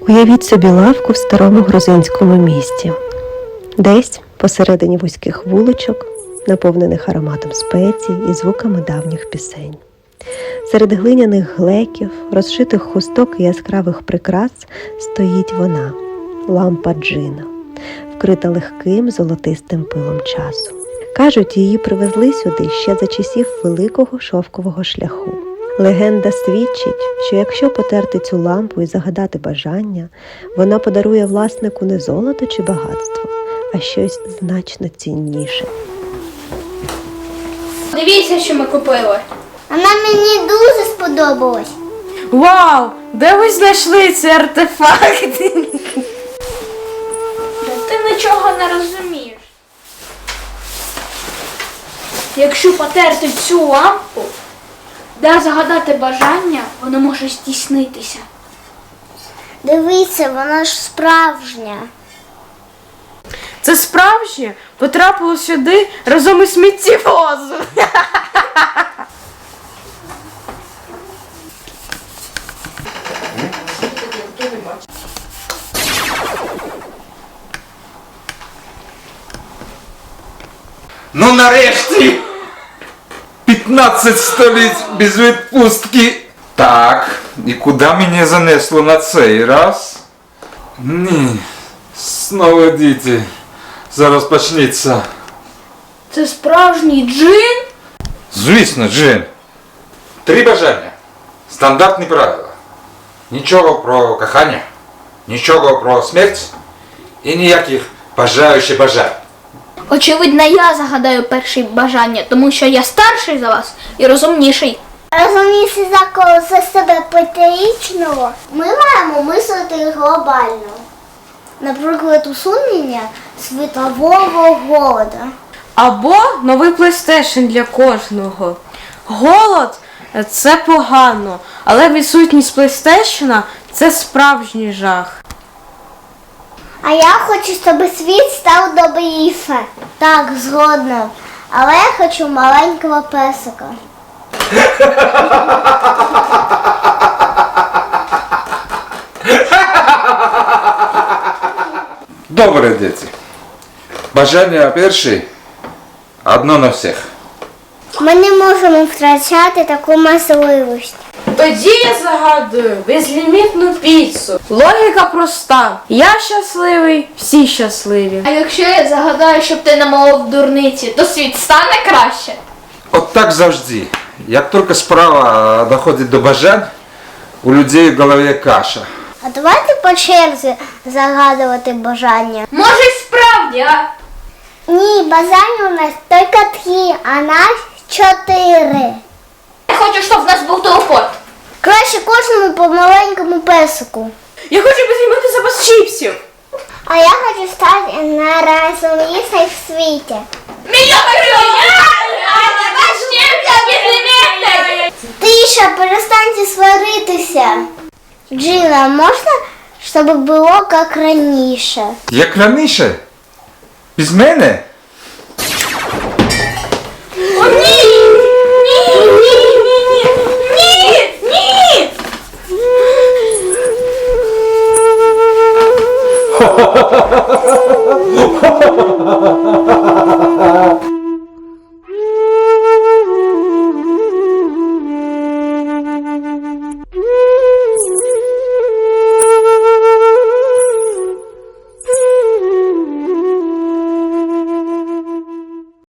Уявіть собі лавку в старому грузинському місті. Десь посередині вузьких вуличок, наповнених ароматом спецій і звуками давніх пісень. Серед глиняних глеків, розшитих хусток і яскравих прикрас стоїть вона – лампа Джина, вкрита легким золотистим пилом часу. Кажуть, її привезли сюди ще за часів Великого шовкового шляху. Легенда свідчить, що якщо потерти цю лампу і загадати бажання, вона подарує власнику не золото чи багатство, а щось значно цінніше. Дивіться, що ми купили. Вона мені дуже сподобалась. Вау! Де ви знайшли ці артефакти? Ти нічого не розумієш. Якщо потерти цю лампу, де загадати бажання, воно може здійснитися. Дивіться, вона ж справжня. Це справжнє потрапило сюди разом із сміттєвозом. Ну нарешті! 15 століть без відпустки. Так, і куди мене занесло на цей раз? Ні, знову діти. Зараз почнеться. Це справжній джин? Звісно, Джин. 3 бажання. Стандартні правила. Нічого про кохання, нічого про смерть і ніяких бажаючих бажань. Очевидно, я загадаю перше бажання, тому що я старший за вас і розумніший. Розумієш, за кого за себе п'ятирічного, ми маємо мислити глобально. Наприклад, усунення світового голоду. Або новий PlayStation для кожного. Голод – це погано, але відсутність PlayStation – це справжній жах. А я хочу, щоб світ став добріше. Так, згодна. Але я хочу маленького песика. Добре, діти. Бажання перше. Одно на всіх. Ми не можемо втрачати таку можливість. Тоді я загадую безлімітну піцу. Логіка проста. Я щасливий, всі щасливі. А якщо я загадаю, щоб ти намалив дурниці, то світ стане краще? От так завжди. Як тільки справа доходить до бажань, у людей в голові каша. А давайте по черзі загадувати бажання. Може, й справді, а? Ні, бажання у нас тільки 3, а нас 4. Я хочу, щоб в нас був телепорт. Краще кожному по маленькому песику. Я хочу безлімітний запас чіпсів. А я хочу стати найрозумнішою в світі. Мільйон гривень! Ваш чемпіон безлімітний! Тиша, перестаньте сваритися. Джина, можна, щоб було як раніше? Як раніше? Без мене? О, ні! Ні! Ні! Ні! Ні! Ні!